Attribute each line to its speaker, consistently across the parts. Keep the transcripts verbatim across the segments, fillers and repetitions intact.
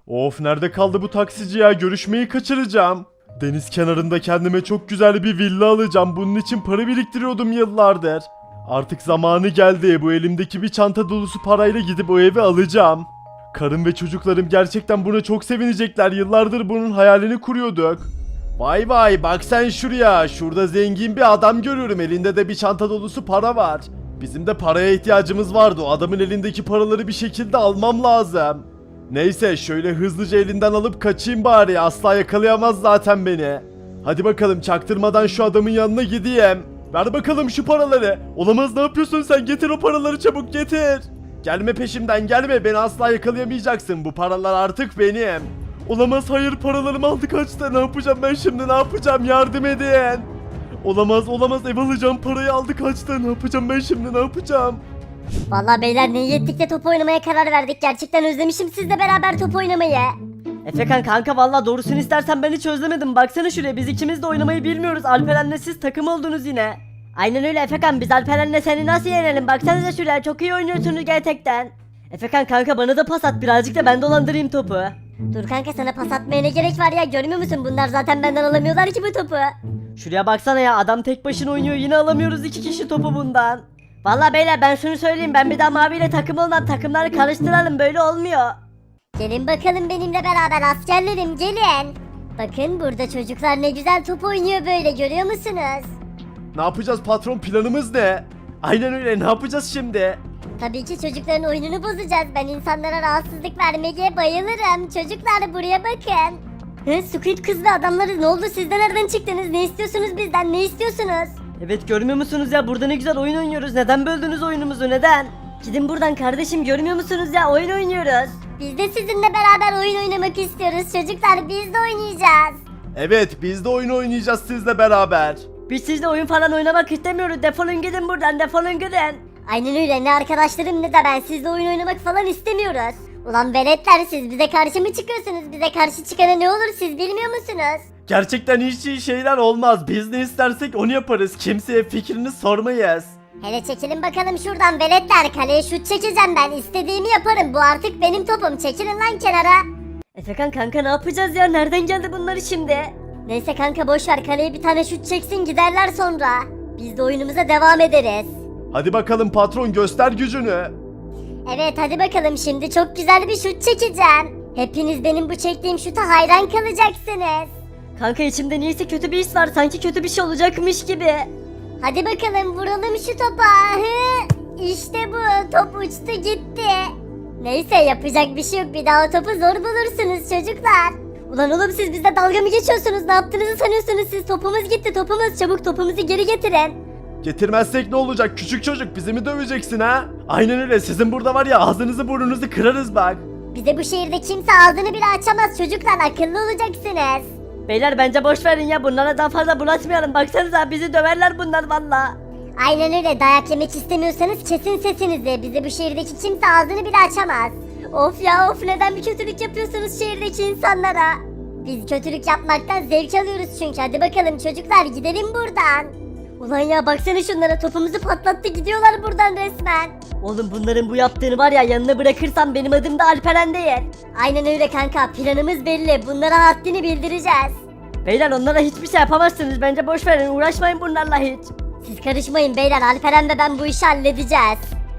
Speaker 1: Of, nerede kaldı bu taksici ya? Görüşmeyi kaçıracağım. Deniz kenarında kendime çok güzel bir villa alacağım. Bunun için para biriktiriyordum yıllardır. Artık zamanı geldi. Bu elimdeki bir çanta dolusu parayla gidip o evi alacağım. Karım ve çocuklarım gerçekten buna çok sevinecekler. Yıllardır bunun hayalini kuruyorduk. Vay vay, bak sen şuraya. Şurada zengin bir adam görüyorum. Elinde de bir çanta dolusu para var. Bizim de paraya ihtiyacımız vardı. O adamın elindeki paraları bir şekilde almam lazım. Neyse, şöyle hızlıca elinden alıp kaçayım bari. Asla yakalayamaz zaten beni. Hadi bakalım, çaktırmadan şu adamın yanına gideyim. Ver bakalım şu paraları. Olamaz, ne yapıyorsun sen? Getir o paraları, çabuk getir. Gelme peşimden, gelme, beni asla yakalayamayacaksın. Bu paralar artık benim. Olamaz, hayır, paralarımı aldı kaçtı. Ne yapacağım ben şimdi, ne yapacağım, yardım edin. Olamaz olamaz, ev alacağım, parayı aldı kaçtı. Ne yapacağım ben şimdi, ne yapacağım?
Speaker 2: Vallahi beyler, ne iyi ettik de top oynamaya karar verdik. Gerçekten özlemişim sizle beraber top oynamayı.
Speaker 3: Efekan kanka, vallahi doğrusunu istersen ben hiç özlemedim. Baksana şuraya, biz ikimiz de oynamayı bilmiyoruz. Alperen'le siz takım oldunuz yine. Aynen öyle Efekan, biz Alperen'le seni nasıl yenelim? Baksanıza şuraya, çok iyi oynuyorsunuz gerçekten. Efekan kanka, bana da pas at, birazcık da ben dolandırayım topu.
Speaker 2: Dur kanka, sana pas atmaya ne gerek var ya, görmüyor musun? Bunlar zaten benden alamıyorlar ki bu topu.
Speaker 3: Şuraya baksana ya, adam tek başına oynuyor, yine alamıyoruz iki kişi topu bundan. Vallahi beyler, ben şunu söyleyeyim, ben bir daha maviyle takım olmam, takımları karıştıralım, böyle olmuyor.
Speaker 2: Gelin bakalım benimle beraber askerlerim, gelin. Bakın burada çocuklar ne güzel top oynuyor böyle, görüyor musunuz?
Speaker 1: Ne yapacağız patron, planımız ne? Aynen öyle, ne yapacağız şimdi?
Speaker 2: Tabii ki çocukların oyununu bozacağız. Ben insanlara rahatsızlık vermeye bayılırım. Çocuklar buraya bakın. Hı, Squid kız ve adamları, ne oldu, siz de nereden çıktınız? Ne istiyorsunuz bizden, ne istiyorsunuz?
Speaker 3: Evet, görmüyor musunuz ya, burada ne güzel oyun oynuyoruz, neden böldünüz oyunumuzu, neden? Gidin buradan kardeşim, görmüyor musunuz ya, oyun oynuyoruz.
Speaker 2: Biz de sizinle beraber oyun oynamak istiyoruz çocuklar, biz de oynayacağız.
Speaker 1: Evet, biz de oyun oynayacağız sizle beraber.
Speaker 3: Biz sizle oyun falan oynamak istemiyoruz, defolun gidin buradan, defolun gidin.
Speaker 2: Aynen öyle, ne arkadaşlarım ne de ben sizle oyun oynamak falan istemiyoruz. Ulan veletler, siz bize karşı mı çıkıyorsunuz? Bize karşı çıkana ne olur, siz bilmiyor musunuz?
Speaker 1: Gerçekten hiç iyi şeyler olmaz. Biz ne istersek onu yaparız. Kimseye fikrini sormayız.
Speaker 2: Hele çekilin bakalım şuradan veletler, kaleye şut çekeceğim ben, istediğimi yaparım, bu artık benim topum, çekilin lan kenara.
Speaker 3: Efekan kanka, ne yapacağız ya, nereden geldi bunları şimdi?
Speaker 2: Neyse kanka, boşver, kaleye bir tane şut çeksin, giderler sonra. Biz de oyunumuza devam ederiz.
Speaker 1: Hadi bakalım patron, göster gücünü.
Speaker 2: Evet hadi bakalım, şimdi çok güzel bir şut çekeceğim. Hepiniz benim bu çektiğim şuta hayran kalacaksınız.
Speaker 3: Kanka, içimde niyeyse kötü bir his var, sanki kötü bir şey olacakmış gibi.
Speaker 2: Hadi bakalım, vuralım şu topa. Hı, İşte bu, top uçtu gitti. Neyse, yapacak bir şey yok, bir daha o topu zor bulursunuz çocuklar. Ulan oğlum, siz bizle dalga mı geçiyorsunuz? Ne yaptığınızı sanıyorsunuz siz? Topumuz gitti, topumuz, çabuk topumuzu geri getirin.
Speaker 1: Getirmezsek ne olacak? Küçük çocuk, bizi mi döveceksin ha? Aynen öyle, sizin burada var ya, ağzınızı burnunuzu kırarız bak.
Speaker 2: Bize bu şehirde kimse ağzını bile açamaz çocuklar, akıllı olacaksınız.
Speaker 3: Beyler bence boş verin ya, bunlara daha fazla bulaşmayalım, baksanıza bizi döverler bunlar valla.
Speaker 2: Aynen öyle, dayak yemek istemiyorsanız kesin sesinizi. Bize bu şehirdeki kimse ağzını bile açamaz. Of ya of, neden bir kötülük yapıyorsunuz şehirdeki insanlara? Biz kötülük yapmaktan zevk alıyoruz çünkü. Hadi bakalım çocuklar, gidelim buradan. Ulan ya, baksana şunlara, topumuzu patlattı, gidiyorlar buradan resmen.
Speaker 3: Oğlum, bunların bu yaptığını var ya, yanına bırakırsam benim adım da Alperen değil.
Speaker 2: Aynen öyle kanka, planımız belli, bunlara haddini bildireceğiz.
Speaker 3: Beyler, onlara hiçbir şey yapamazsınız, bence boş verin, uğraşmayın bunlarla hiç.
Speaker 2: Siz karışmayın beyler, Alperen ve ben bu işi halledeceğiz.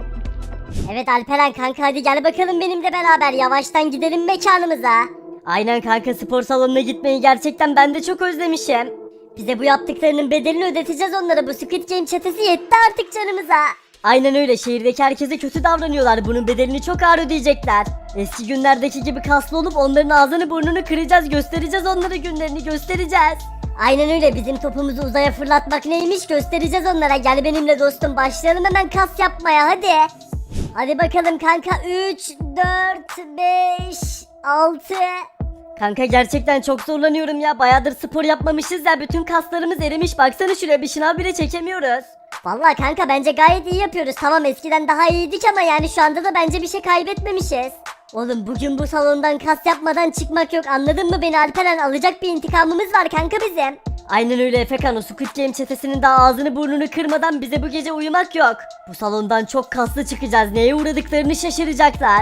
Speaker 2: Evet Alperen kanka, hadi gel bakalım benimle beraber, yavaştan gidelim mekanımıza.
Speaker 3: Aynen kanka, spor salonuna gitmeyi gerçekten ben de çok özlemişim.
Speaker 2: Bize bu yaptıklarının bedelini ödeteceğiz onlara, bu Squid Game çetesi yetti artık canımıza.
Speaker 3: Aynen öyle, şehirdeki herkese kötü davranıyorlar, bunun bedelini çok ağır ödeyecekler. Eski günlerdeki gibi kaslı olup onların ağzını burnunu kıracağız, göstereceğiz onlara, günlerini göstereceğiz.
Speaker 2: Aynen öyle, bizim topumuzu uzaya fırlatmak neymiş göstereceğiz onlara. Gel benimle dostum, başlayalım hemen kas yapmaya, hadi. Hadi bakalım kanka, üç, dört, beş, altı.
Speaker 3: Kanka gerçekten çok zorlanıyorum ya, bayağıdır spor yapmamışız ya, bütün kaslarımız erimiş, baksana şuraya, bir şınav bile çekemiyoruz.
Speaker 2: Vallahi kanka, bence gayet iyi yapıyoruz. Tamam, eskiden daha iyiydik ama yani şu anda da bence bir şey kaybetmemişiz. Oğlum, bugün bu salondan kas yapmadan çıkmak yok, anladın mı beni Alperen? Alacak bir intikamımız var kanka bizim.
Speaker 3: Aynen öyle Efekan, o Squid Game çetesinin daha ağzını burnunu kırmadan bize bu gece uyumak yok. Bu salondan çok kaslı çıkacağız, neye uğradıklarını şaşıracaklar.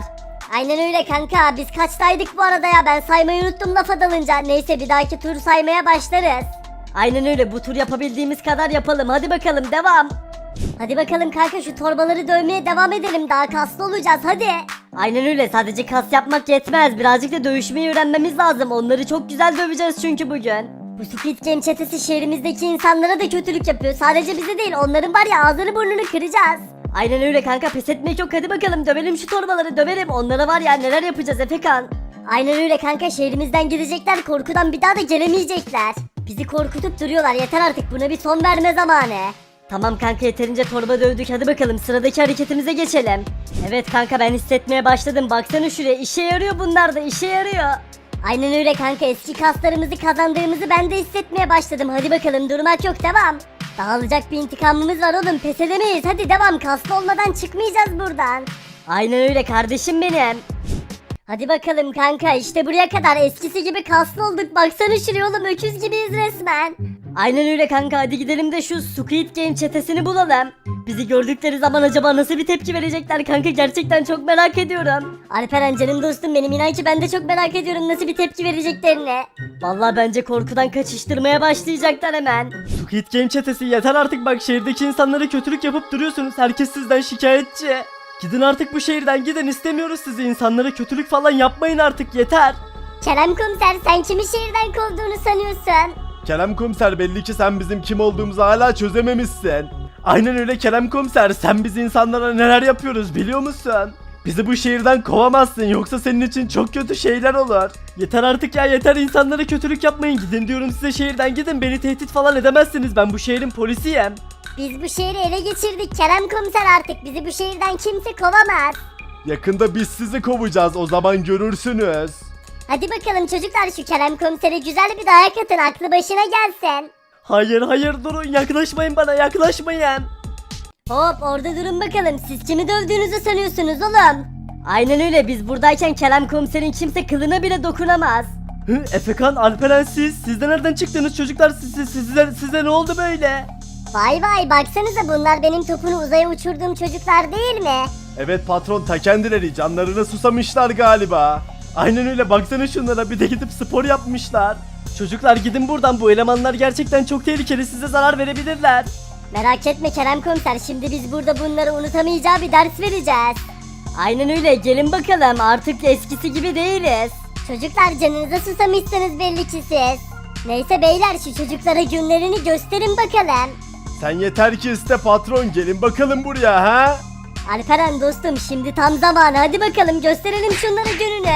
Speaker 2: Aynen öyle kanka. Biz kaçtaydık bu arada ya? Ben saymayı unuttum lafa dalınca. Neyse bir dahaki tur saymaya başlarız.
Speaker 3: Aynen öyle, bu tur yapabildiğimiz kadar yapalım. Hadi bakalım, devam.
Speaker 2: Hadi bakalım kanka, şu torbaları dövmeye devam edelim. Daha kaslı olacağız hadi.
Speaker 3: Aynen öyle, sadece kas yapmak yetmez. Birazcık da dövüşmeyi öğrenmemiz lazım. Onları çok güzel döveceğiz çünkü bugün.
Speaker 2: Bu Squid Game çetesi şehrimizdeki insanlara da kötülük yapıyor. Sadece bize değil, onların var ya ağzını burnunu kıracağız.
Speaker 3: Aynen öyle kanka, pes etmek yok. Hadi bakalım, dövelim şu torbaları, dövelim. Onlara var ya neler yapacağız Efekan.
Speaker 2: Aynen öyle kanka, şehrimizden gidecekler, korkudan bir daha da gelemeyecekler. Bizi korkutup duruyorlar, yeter artık, buna bir son verme zamanı.
Speaker 3: Tamam kanka, yeterince torba dövdük. Hadi bakalım sıradaki hareketimize geçelim. Evet kanka, ben hissetmeye başladım. Baksana şuraya, işe yarıyor bunlar da, işe yarıyor.
Speaker 2: Aynen öyle kanka, eski kaslarımızı kazandığımızı ben de hissetmeye başladım. Hadi bakalım, durmak yok, devam. Daha alacak bir intikamımız var oğlum, pes edemeyiz. Hadi devam, kaslı olmadan çıkmayacağız buradan.
Speaker 3: Aynen öyle kardeşim benim.
Speaker 2: Hadi bakalım kanka, işte buraya kadar eskisi gibi kaslı olduk. Baksana şuraya oğlum, öküz gibiyiz resmen.
Speaker 3: Aynen öyle kanka, hadi gidelim de şu Squid Game çetesini bulalım. Bizi gördükleri zaman acaba nasıl bir tepki verecekler kanka, gerçekten çok merak ediyorum.
Speaker 2: Alperen canım dostum benim, inan ki ben de çok merak ediyorum nasıl bir tepki vereceklerini.
Speaker 3: Vallahi bence korkudan kaçıştırmaya başlayacaklar hemen.
Speaker 1: Squid Game çetesi yeter artık, bak şehirdeki insanlara kötülük yapıp duruyorsunuz. Herkes sizden şikayetçi. Gidin artık bu şehirden, gidin, istemiyoruz sizi. İnsanlara kötülük falan yapmayın artık, yeter.
Speaker 2: Kerem komiser, sen kimi şehirden kovduğunu sanıyorsun?
Speaker 1: Kerem komiser, belli ki sen bizim kim olduğumuzu hala çözememişsin. Aynen öyle Kerem komiser, sen biz insanlara neler yapıyoruz biliyor musun? Bizi bu şehirden kovamazsın, yoksa senin için çok kötü şeyler olur. Yeter artık ya, yeter, insanlara kötülük yapmayın. Gidin diyorum size, şehirden gidin, beni tehdit falan edemezsiniz, ben bu şehrin polisiyim.
Speaker 2: Biz bu şehri ele geçirdik Kerem komiser, artık bizi bu şehirden kimse kovamaz.
Speaker 1: Yakında biz sizi kovacağız, o zaman görürsünüz.
Speaker 2: Hadi bakalım çocuklar, şu Kerem komisere güzel bir dayak atın, aklı başına gelsin.
Speaker 3: Hayır hayır, durun, yaklaşmayın bana, yaklaşmayın.
Speaker 2: Hop, orada durun bakalım, siz kimi dövdüğünüzü sanıyorsunuz oğlum?
Speaker 3: Aynen öyle, biz buradayken Kerem komiserin kimse kılına bile dokunamaz.
Speaker 1: Hı, Efekan, Alperen, siz, siz de nereden çıktınız çocuklar, siz, siz, size, size ne oldu böyle?
Speaker 2: Vay vay, baksanıza bunlar benim topunu uzaya uçurduğum çocuklar değil mi?
Speaker 1: Evet patron, ta kendileri canlarına susamışlar galiba. Aynen öyle, baksana şunlara, bir de gidip spor yapmışlar. Çocuklar gidin buradan, bu elemanlar gerçekten çok tehlikeli, size zarar verebilirler.
Speaker 2: Merak etme Kerem komiser, şimdi biz burada bunları unutamayacağı bir ders vereceğiz.
Speaker 3: Aynen öyle, gelin bakalım, artık eskisi gibi değiliz.
Speaker 2: Çocuklar canınıza susamışsınız belli ki siz. Neyse beyler, şu çocuklara günlerini gösterin bakalım.
Speaker 1: Sen yeter ki iste patron, gelin bakalım buraya ha.
Speaker 2: Alperen dostum, şimdi tam zamanı, hadi bakalım gösterelim şunlara gününü.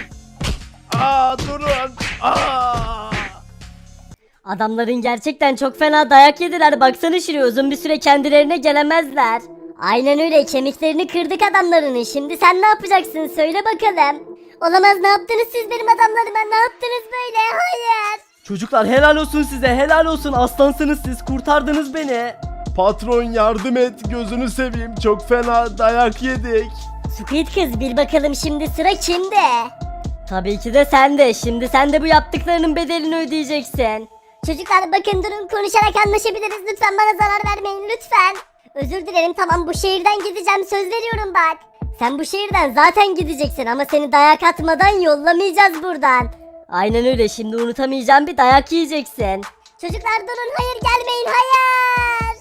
Speaker 1: Aa durun. Aa.
Speaker 3: Adamların gerçekten çok fena dayak yediler, baksana şuraya, uzun bir süre kendilerine gelemezler.
Speaker 2: Aynen öyle, kemiklerini kırdık adamlarının. Şimdi sen ne yapacaksın, söyle bakalım. Olamaz, ne yaptınız siz benim adamlarıma, ne yaptınız böyle, hayır.
Speaker 3: Çocuklar helal olsun size, helal olsun, aslansınız siz, kurtardınız beni.
Speaker 1: Patron yardım et, gözünü seveyim, çok fena dayak yedik.
Speaker 2: Squid kız, bil bakalım şimdi sıra kimde?
Speaker 3: Tabii ki de sen de, şimdi sen de bu yaptıklarının bedelini ödeyeceksin.
Speaker 2: Çocuklar bakın, durun, konuşarak anlaşabiliriz, lütfen bana zarar vermeyin lütfen. Özür dilerim, tamam, bu şehirden gideceğim, söz veriyorum bak. Sen bu şehirden zaten gideceksin ama seni dayak atmadan yollamayacağız buradan.
Speaker 3: Aynen öyle, şimdi unutamayacağım bir dayak yiyeceksin.
Speaker 2: Çocuklar durun, hayır gelmeyin, hayır.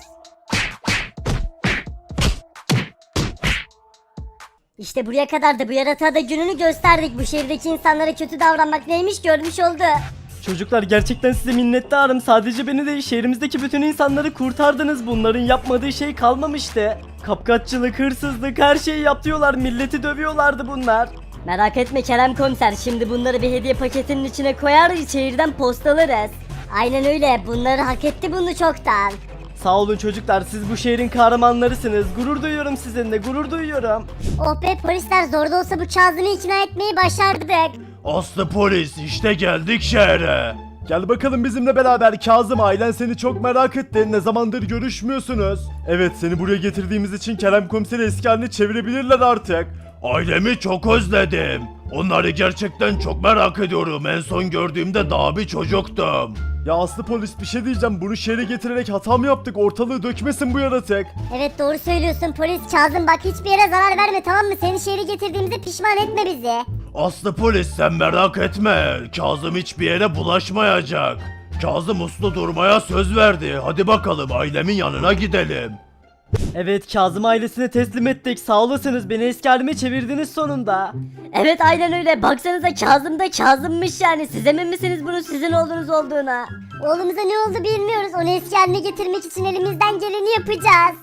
Speaker 2: İşte buraya kadar da bu yaratığa da gününü gösterdik. Bu şehirdeki insanlara kötü davranmak neymiş görmüş oldu.
Speaker 1: Çocuklar gerçekten size minnettarım, sadece beni değil şehrimizdeki bütün insanları kurtardınız, bunların yapmadığı şey kalmamıştı. Kapkaççılık, hırsızlık, her şeyi yapıyorlar, milleti dövüyorlardı bunlar.
Speaker 3: Merak etme Kerem komiser, şimdi bunları bir hediye paketinin içine koyar, şehirden postalarız.
Speaker 2: Aynen öyle, bunları hak etti bunu çoktan.
Speaker 1: Sağ olun çocuklar, siz bu şehrin kahramanlarısınız, gurur duyuyorum sizinle, gurur duyuyorum.
Speaker 2: Oh be, polisler zor da olsa bu Kazım'ı ikna etmeyi başardık.
Speaker 1: Aslı polis, işte geldik şehre. Gel bakalım bizimle beraber Kazım, ailen seni çok merak etti, ne zamandır görüşmüyorsunuz. Evet, seni buraya getirdiğimiz için Kerem komiseri eski haline çevirebilirler artık. Ailemi çok özledim. Onları gerçekten çok merak ediyorum. En son gördüğümde daha bir çocuktum. Ya Aslı polis bir şey diyeceğim. Bunu şehre getirerek hata mı yaptık? Ortalığı dökmesin bu yaratık.
Speaker 2: Evet doğru söylüyorsun polis. Kazım bak hiçbir yere zarar verme tamam mı? Seni şehre getirdiğimize pişman etme bizi.
Speaker 1: Aslı polis sen merak etme. Kazım hiçbir yere bulaşmayacak. Kazım uslu durmaya söz verdi. Hadi bakalım ailemin yanına gidelim.
Speaker 3: Evet, Kazım ailesine teslim ettik. Sağ olasınız, beni eski halime çevirdiniz sonunda. Evet, aynen öyle. Baksanıza Kazım da Kazım'mış yani. Siz emin misiniz bunun sizin oğlunuz olduğuna?
Speaker 2: Oğlumuza ne oldu bilmiyoruz. Onu eski haline getirmek için elimizden geleni yapacağız.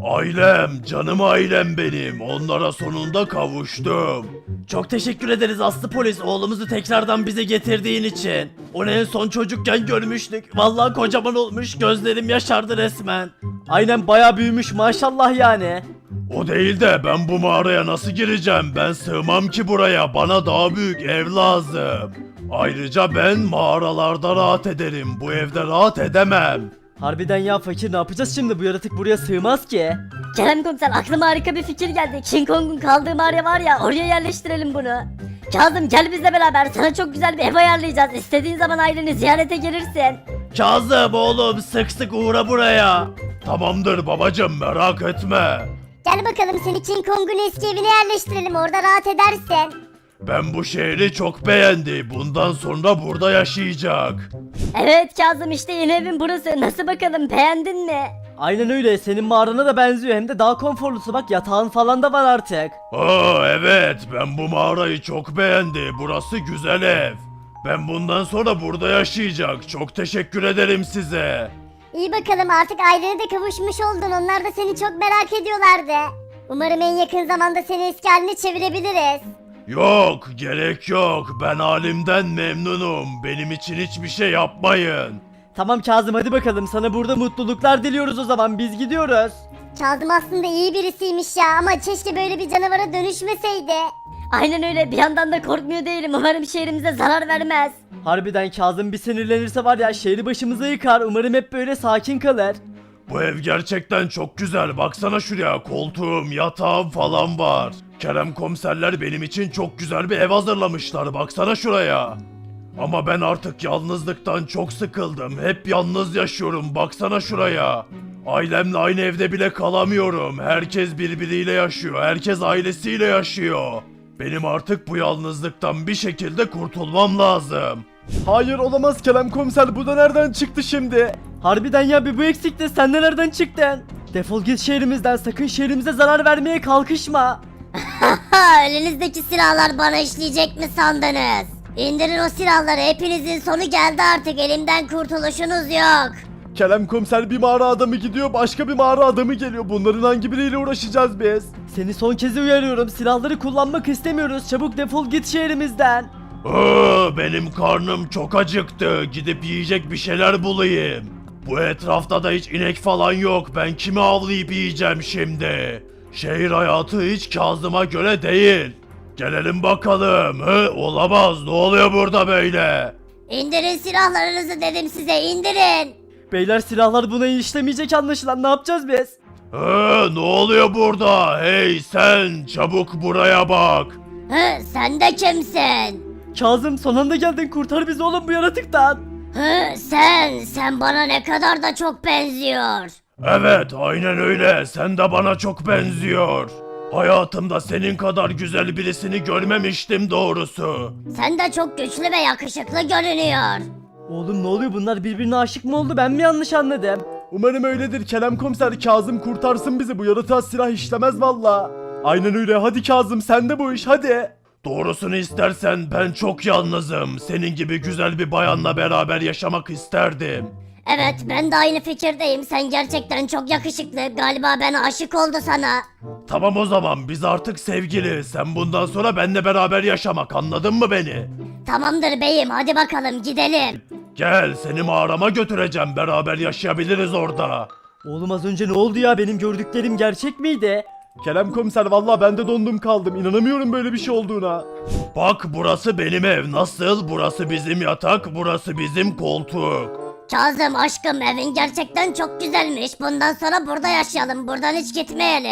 Speaker 1: Ailem, canım ailem benim. Onlara sonunda kavuştum. Çok teşekkür ederiz Aslı polis oğlumuzu tekrardan bize getirdiğin için. Onu en son çocukken görmüştük. Vallahi kocaman olmuş, gözlerim yaşardı resmen.
Speaker 3: Aynen, bayağı büyümüş maşallah yani.
Speaker 1: O değil de ben bu mağaraya nasıl gireceğim? Ben sığmam ki buraya. Bana daha büyük ev lazım. Ayrıca ben mağaralarda rahat ederim. Bu evde rahat edemem.
Speaker 3: Harbiden ya fakir, ne yapacağız şimdi? Bu yaratık buraya sığmaz ki.
Speaker 4: Kerem komiser aklıma harika bir fikir geldi. King Kong'un kaldığı mağara var ya, oraya yerleştirelim bunu. Kazım gel bizle beraber, sana çok güzel bir ev ayarlayacağız. İstediğin zaman aileni ziyarete gelirsin.
Speaker 1: Kazım oğlum sık sık uğra buraya. Tamamdır babacım merak etme.
Speaker 2: Gel bakalım seni King Kong'un eski evine yerleştirelim. Orada rahat edersin.
Speaker 1: Ben bu şehri çok beğendi. Bundan sonra burada yaşayacak.
Speaker 4: Evet Kazım, işte yeni evin burası. Nasıl bakalım, beğendin mi?
Speaker 3: Aynen öyle, senin mağarana da benziyor, hem de daha konforlusu. Bak, yatağın falan da var artık.
Speaker 1: Aa evet ben bu mağarayı çok beğendi. Burası güzel ev. Ben bundan sonra burada yaşayacak. Çok teşekkür ederim size.
Speaker 2: İyi bakalım artık ailene de kavuşmuş oldun. Onlar da seni çok merak ediyorlardı. Umarım en yakın zamanda seni eski haline çevirebiliriz.
Speaker 1: Yok gerek yok. Ben halimden memnunum. Benim için hiçbir şey yapmayın.
Speaker 3: Tamam Kazım, hadi bakalım, sana burada mutluluklar diliyoruz o zaman, biz gidiyoruz.
Speaker 2: Kazım aslında iyi birisiymiş ya ama keşke böyle bir canavara dönüşmeseydi.
Speaker 4: Aynen öyle, bir yandan da korkmuyor değilim. Umarım şehrimize zarar vermez.
Speaker 3: Harbiden Kazım bir sinirlenirse var ya, şehri başımıza yıkar. Umarım hep böyle sakin kalır.
Speaker 1: Bu ev gerçekten çok güzel. Baksana şuraya koltuğum, yatağım falan var. Kerem komiserler benim için çok güzel bir ev hazırlamışlar. Baksana şuraya. Ama ben artık yalnızlıktan çok sıkıldım. Hep yalnız yaşıyorum. Baksana şuraya. Ailemle aynı evde bile kalamıyorum. Herkes birbiriyle yaşıyor. Herkes ailesiyle yaşıyor. Benim artık bu yalnızlıktan bir şekilde kurtulmam lazım. Hayır olamaz Kerem komiser. Bu da nereden çıktı şimdi?
Speaker 3: Harbiden ya, bir bu eksikti, sen de nereden çıktın? Defol git şehrimizden, sakın şehrimize zarar vermeye kalkışma.
Speaker 2: Ha, elinizdeki silahlar bana işleyecek mi sandınız? İndirin o silahları, hepinizin sonu geldi artık, elimden kurtuluşunuz yok.
Speaker 1: Kerem komiser bir mağara adamı gidiyor, başka bir mağara adamı geliyor. Bunların hangi biriyle uğraşacağız biz?
Speaker 3: Seni son kez uyarıyorum, silahları kullanmak istemiyoruz, çabuk defol git şehrimizden.
Speaker 1: Aa, benim karnım çok acıktı. Gidip yiyecek bir şeyler bulayım. Bu etrafta da hiç inek falan yok. Ben kimi avlayıp yiyeceğim şimdi? Şehir hayatı hiç Kazım'a göre değil. Gelelim bakalım. Hı, olamaz. Ne oluyor burada böyle?
Speaker 2: İndirin silahlarınızı dedim size, indirin.
Speaker 3: Beyler, silahlar buna işlemeyecek anlaşılan, ne yapacağız biz?
Speaker 1: Hı, ne oluyor burada? Hey sen çabuk buraya bak.
Speaker 2: Hı, sen de kimsin?
Speaker 3: Kazım, son anda geldin, kurtar bizi oğlum bu yaratıktan.
Speaker 2: Hı, sen, sen bana ne kadar da çok benziyor.
Speaker 1: Evet, aynen öyle. Sen de bana çok benziyor. Hayatımda senin kadar güzel birisini görmemiştim doğrusu.
Speaker 2: Sen de çok güçlü ve yakışıklı görünüyor.
Speaker 3: Oğlum ne oluyor, bunlar birbirine aşık mı oldu, ben mi yanlış anladım?
Speaker 1: Umarım öyledir Kerem komiser. Kazım kurtarsın bizi. Bu yaratığa silah işlemez valla. Aynen öyle. Hadi Kazım sen de bu iş hadi. Doğrusunu istersen ben çok yalnızım. Senin gibi güzel bir bayanla beraber yaşamak isterdim.
Speaker 2: Evet, ben de aynı fikirdeyim. Sen gerçekten çok yakışıklı. Galiba ben aşık oldu sana.
Speaker 1: Tamam o zaman biz artık sevgili. Sen bundan sonra benimle beraber yaşamak, anladın mı beni?
Speaker 2: Tamamdır beyim, hadi bakalım gidelim.
Speaker 1: Gel seni mağarama götüreceğim. Beraber yaşayabiliriz orada.
Speaker 3: Oğlum az önce ne oldu ya, benim gördüklerim gerçek miydi?
Speaker 1: Kerem komiser vallahi ben de dondum kaldım. İnanamıyorum böyle bir şey olduğuna. Bak burası benim ev. Nasıl? Burası bizim yatak, burası bizim koltuk.
Speaker 2: Kazım aşkım, evin gerçekten çok güzelmiş. Bundan sonra burada yaşayalım, buradan hiç gitmeyelim.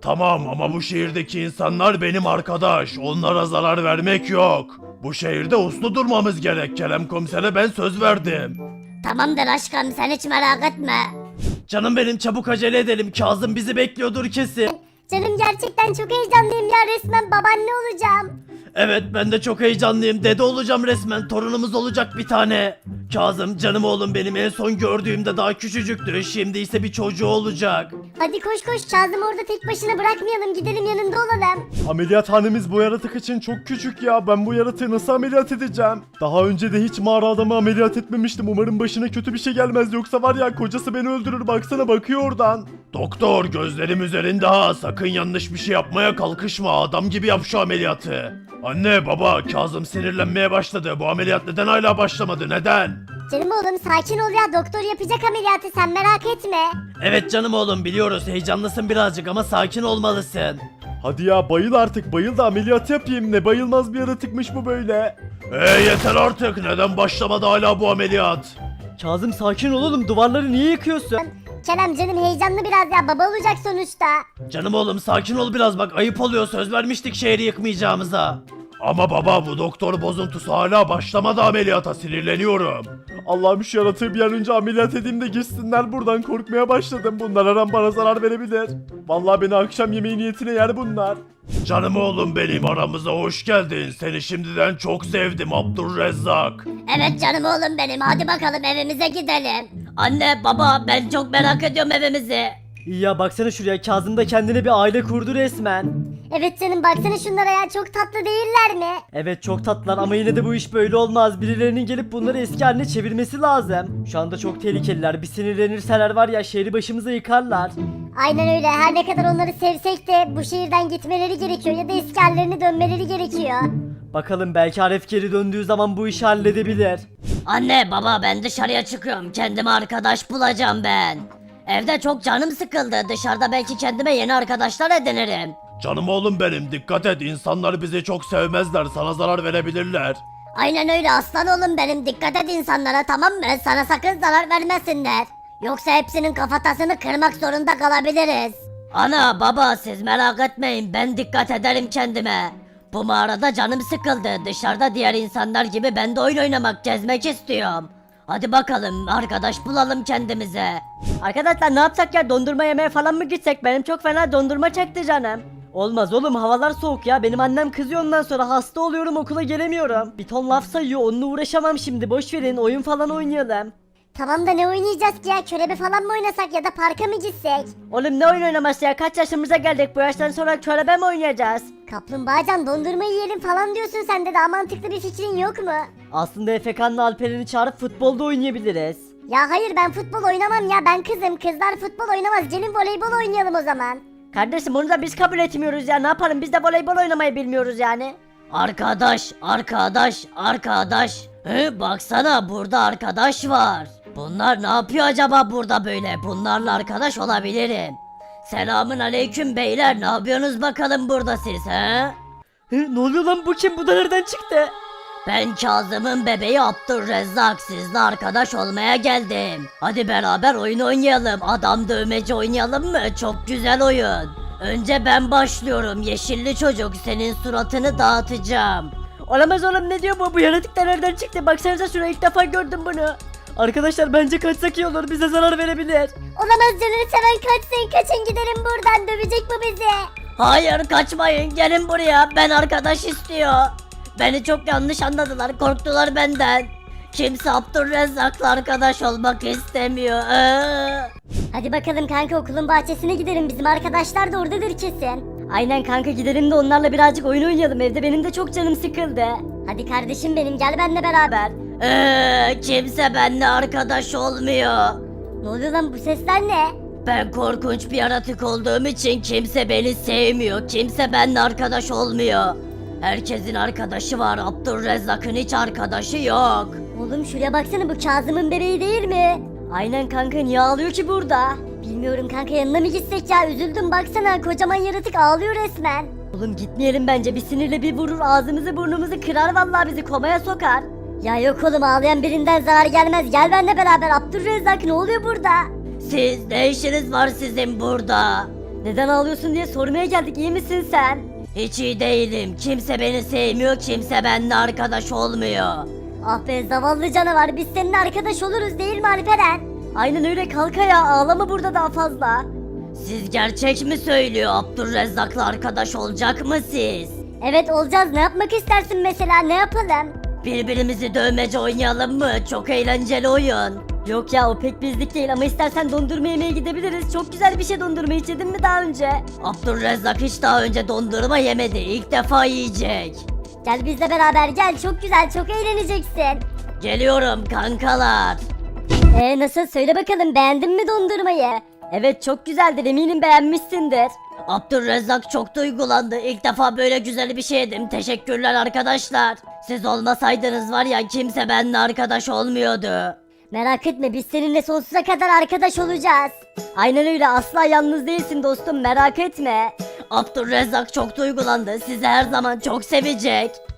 Speaker 1: Tamam ama bu şehirdeki insanlar benim arkadaş. Onlara zarar vermek yok. Bu şehirde uslu durmamız gerek. Kerem komisere ben söz verdim.
Speaker 2: Tamamdır aşkım sen hiç merak etme.
Speaker 1: Canım benim çabuk acele edelim. Kazım bizi bekliyordur kesin.
Speaker 2: Canım gerçekten çok heyecanlıyım ya resmen babaanne olacağım.
Speaker 1: Evet ben de çok heyecanlıyım. Dede olacağım resmen. Torunumuz olacak bir tane. Kazım canım oğlum benim en son gördüğümde daha küçücüktü. Şimdi ise bir çocuğu olacak.
Speaker 2: Hadi koş koş Kazım orada tek başına bırakmayalım gidelim yanında olalım.
Speaker 1: Ameliyathanemiz bu yaratık için çok küçük ya. Ben bu yaratığı nasıl ameliyat edeceğim? Daha önce de hiç mağara adamı ameliyat etmemiştim. Umarım başına kötü bir şey gelmez. Yoksa var ya kocası beni öldürür. Baksana bakıyor oradan. Doktor gözlerim üzerinde ha. Sakın yanlış bir şey yapmaya kalkışma. Adam gibi yap şu ameliyatı. Anne baba Kazım sinirlenmeye başladı. Bu ameliyat neden hala başlamadı? Neden?
Speaker 2: Canım oğlum sakin ol ya doktor yapacak ameliyatı sen merak etme.
Speaker 1: Evet canım oğlum biliyoruz heyecanlısın birazcık ama sakin olmalısın. Hadi ya bayıl artık bayıl da ameliyat yapayım ne bayılmaz bir yaratıkmış bu böyle. Eee yeter artık neden başlamadı hala bu ameliyat?
Speaker 3: Kazım sakin ol oğlum, duvarları niye yıkıyorsun?
Speaker 2: Kerem canım heyecanlı biraz ya baba olacak sonuçta.
Speaker 1: Canım oğlum sakin ol biraz bak ayıp oluyor söz vermiştik şehri yıkmayacağımıza. Ama baba bu doktor bozuntusu hala başlamadı ameliyata sinirleniyorum. Allah'ım şu yaratığı bir an önce ameliyat edeyim de gitsinler buradan korkmaya başladım. Bunlar her an bana zarar verebilir. Vallahi beni akşam yemeği niyetine yer bunlar. Canım oğlum benim aramıza hoş geldin. Seni şimdiden çok sevdim Abdurrezzak.
Speaker 2: Evet canım oğlum benim hadi bakalım evimize gidelim.
Speaker 4: Anne baba ben çok merak ediyorum evimizi.
Speaker 3: İyi ya baksana şuraya, Kazım da kendine bir aile kurdu resmen.
Speaker 2: Evet canım baksana şunlara ya çok tatlı değiller mi?
Speaker 3: Evet çok tatlılar ama yine de bu iş böyle olmaz. Birilerinin gelip bunları eski haline çevirmesi lazım. Şu anda çok tehlikeliler. Bir sinirlenirseler var ya şehri başımıza yıkarlar.
Speaker 2: Aynen öyle her ne kadar onları sevsek de bu şehirden gitmeleri gerekiyor ya da eski hallerine dönmeleri gerekiyor.
Speaker 3: Bakalım belki Aref geri döndüğü zaman bu işi halledebilir.
Speaker 4: Anne baba ben dışarıya çıkıyorum. Kendime arkadaş bulacağım ben. Evde çok canım sıkıldı. Dışarıda belki kendime yeni arkadaşlar edinirim.
Speaker 1: Canım oğlum benim dikkat et insanlar bizi çok sevmezler sana zarar verebilirler.
Speaker 2: Aynen öyle aslan oğlum benim dikkat et insanlara tamam mı? Sana sakın zarar vermesinler. Yoksa hepsinin kafatasını kırmak zorunda kalabiliriz.
Speaker 4: Ana baba siz merak etmeyin. Ben dikkat ederim kendime. Bu mağarada canım sıkıldı. Dışarıda diğer insanlar gibi ben de oyun oynamak, gezmek istiyorum. Hadi bakalım arkadaş bulalım kendimize.
Speaker 3: Arkadaşlar ne yapsak ya, dondurma yemeye falan mı gitsek? Benim çok fena dondurma çekti canım. Olmaz oğlum, havalar soğuk ya. Benim annem kızıyor, ondan sonra hasta oluyorum, okula gelemiyorum. Bir ton laf sayıyor, onunla uğraşamam şimdi. Boş verin, oyun falan oynayalım.
Speaker 2: Tamam da ne oynayacağız ki ya? Körebe falan mı oynasak ya da parka mı gitsek?
Speaker 3: Oğlum ne oyun oynaması ya, kaç yaşımıza geldik, bu yaştan sonra körebe mi oynayacağız?
Speaker 2: Kaplumbağacan dondurma yiyelim falan diyorsun sen de daha mantıklı bir fikrin yok mu?
Speaker 3: Aslında Efekan'la Alperen'i çağırıp futbolda oynayabiliriz.
Speaker 2: Ya hayır ben futbol oynamam ya ben kızım kızlar futbol oynamaz gelin voleybol oynayalım o zaman.
Speaker 3: Kardeşim onu da biz kabul etmiyoruz ya, ne yapalım, biz de voleybol oynamayı bilmiyoruz yani.
Speaker 4: Arkadaş, arkadaş, arkadaş. He, baksana burada arkadaş var. Bunlar ne yapıyor acaba burada böyle? Bunlarla arkadaş olabilirim. Selamın aleyküm beyler. Ne yapıyorsunuz bakalım burada siz he?
Speaker 3: Hı, ne oluyor lan, bu kim, bu da nereden çıktı?
Speaker 4: Ben Kazım'ın bebeği Abdurrezzak. Sizle arkadaş olmaya geldim. Hadi beraber oyun oynayalım. Adam dövmeci oynayalım mı? Çok güzel oyun. Önce ben başlıyorum. Yeşilli çocuk senin suratını dağıtacağım.
Speaker 3: Olamaz oğlum, ne diyor bu, bu yaratık da nereden çıktı, baksanıza şuraya, ilk defa gördüm bunu. Arkadaşlar bence kaçsak iyi olur, bize zarar verebilir.
Speaker 2: Olamaz canını seven kaçsın kaçın gidelim buradan dövecek bu bizi.
Speaker 4: Hayır kaçmayın gelin buraya. Ben arkadaş istiyor. Beni çok yanlış anladılar. Korktular benden. Kimse Abdurrezzak'la arkadaş olmak istemiyor. Ee.
Speaker 2: Hadi bakalım kanka okulun bahçesine gidelim bizim arkadaşlar da oradadır kesin.
Speaker 3: Aynen kanka, gidelim de onlarla birazcık oyun oynayalım, evde benim de çok canım sıkıldı.
Speaker 2: Hadi kardeşim benim gel benimle beraber.
Speaker 4: Ee, kimse benimle arkadaş olmuyor.
Speaker 2: Ne oluyor lan bu sesler ne?
Speaker 4: Ben korkunç bir yaratık olduğum için kimse beni sevmiyor. Kimse benimle arkadaş olmuyor. Herkesin arkadaşı var. Abdurrezzak'ın hiç arkadaşı yok.
Speaker 2: Oğlum şuraya baksana bu Kazım'ın bebeği değil mi?
Speaker 3: Aynen kanka, niye ağlıyor ki burada?
Speaker 2: Bilmiyorum kanka yanına mı gitsek ya üzüldüm baksana kocaman yaratık ağlıyor resmen.
Speaker 3: Oğlum gitmeyelim bence, bir sinirle bir vurur, ağzımızı burnumuzu kırar, vallahi bizi komaya sokar.
Speaker 2: Ya yok oğlum ağlayan birinden zarar gelmez gel benimle beraber Abdurrezzak ne oluyor burada?
Speaker 4: Siz ne işiniz var sizin burada?
Speaker 3: Neden ağlıyorsun diye sormaya geldik, iyi misin sen?
Speaker 4: Hiç iyi değilim. Kimse beni sevmiyor, kimse benimle arkadaş olmuyor.
Speaker 2: Ah be zavallı canavar, biz seninle arkadaş oluruz değil mi Alperen?
Speaker 3: Aynen öyle, kalk ayağa, ağlama burada daha fazla.
Speaker 4: Siz gerçek mi söylüyor? Abdülrezzak'la arkadaş olacak mı siz?
Speaker 2: Evet olacağız, ne yapmak istersin mesela, ne yapalım?
Speaker 4: Birbirimizi dövmece oynayalım mı? Çok eğlenceli oyun.
Speaker 3: Yok ya, o pek bizlik değil ama istersen dondurma yemeye gidebiliriz. Çok güzel bir şey, dondurma hiç yedin mi daha önce?
Speaker 4: Abdülrezzak hiç daha önce dondurma yemedi. İlk defa yiyecek.
Speaker 2: Gel bizle beraber gel, çok güzel, çok eğleneceksin.
Speaker 4: Geliyorum kankalar.
Speaker 2: Ee nasıl, söyle bakalım, beğendin mi dondurmayı?
Speaker 3: Evet, çok güzeldir, eminim beğenmişsindir.
Speaker 4: Abdülrezzak çok duygulandı. İlk defa böyle güzel bir şey yedim. Teşekkürler arkadaşlar. Siz olmasaydınız var ya, kimse benimle arkadaş olmuyordu.
Speaker 2: Merak etme, biz seninle sonsuza kadar arkadaş olacağız.
Speaker 3: Aynen öyle, asla yalnız değilsin dostum, merak etme.
Speaker 4: Abdülrezzak çok duygulandı. Sizi her zaman çok sevecek.